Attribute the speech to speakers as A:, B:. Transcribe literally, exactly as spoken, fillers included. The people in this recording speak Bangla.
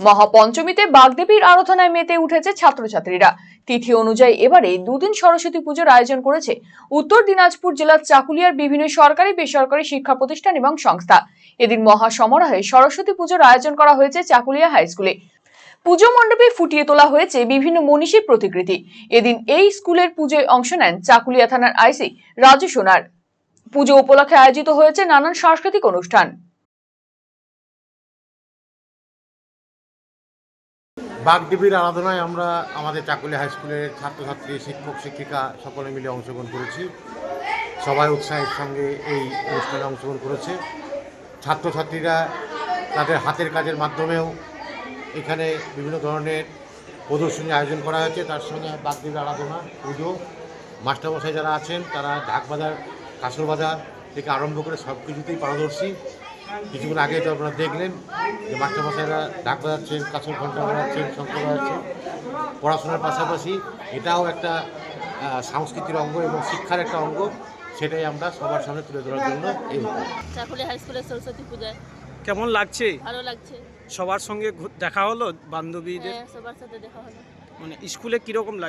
A: মহাপঞ্চমীতে বাগদেবীর আরাধনায় মেতে উঠেছে ছাত্রছাত্রীরা। তিথি অনুযায়ী এবারে দুদিন সরস্বতী পুজোর আয়োজন করেছে উত্তর দিনাজপুর জেলার চাকুলিয়ার বিভিন্ন সরকারি বেসরকারি শিক্ষা প্রতিষ্ঠান এবং সংস্থা। এদিন মহা সমারোহে সরস্বতী পুজোর আয়োজন করা হয়েছে চাকুলিয়া হাই স্কুলে। পুজো মণ্ডপে ফুটিয়ে তোলা হয়েছে বিভিন্ন মনীষীর প্রতিকৃতি। এদিন এই স্কুলের পুজোয় অংশ নেন চাকুলিয়া থানার আইসি রাজু সোনার। পুজো উপলক্ষে আয়োজিত হয়েছে নানান সাংস্কৃতিক অনুষ্ঠান।
B: বাগদেবীর আরাধনায় আমরা আমাদের চাকুলিয়া হাই স্কুলের ছাত্রছাত্রী, শিক্ষক শিক্ষিকা সকলে মিলে অংশগ্রহণ করেছি। সবাই উৎসাহের সঙ্গে এই অনুষ্ঠানে অংশগ্রহণ করেছে। ছাত্রছাত্রীরা তাদের হাতের কাজের মাধ্যমেও এখানে বিভিন্ন ধরনের প্রদর্শনী আয়োজন করা হয়েছে। তার সঙ্গে বাগদেবীর আরাধনা, পুজো, মাস্টারমশাই যারা আছেন তারা ঢাক বাজার, কাঁসর বাজার থেকে আরম্ভ করে সব কিছুতেই পারদর্শী। কিছুক্ষণ আগে তো আপনারা দেখলেন যে মাস্টারমশাইরা ঢাক বাজাচ্ছেন, কাঁসর ঘণ্টা বাজাচ্ছেন, শঙ্খ বাজাচ্ছেন। পড়াশোনার পাশাপাশি এটাও একটা সংস্কৃতির অঙ্গ এবং শিক্ষার একটা অঙ্গ, সেটাই আমরা সবার সামনে তুলে ধরার জন্য এই
C: চাকুলিয়া হাই স্কুলের সরস্বতী পূজায়
D: কেমন লাগছে?
C: ভালো লাগছে।
D: সবার সঙ্গে ঘু- দেখা হলো, বান্ধবীদের?
C: হ্যাঁ, সবার সাথে দেখা হলো।
D: মানে স্কুলে কিরকম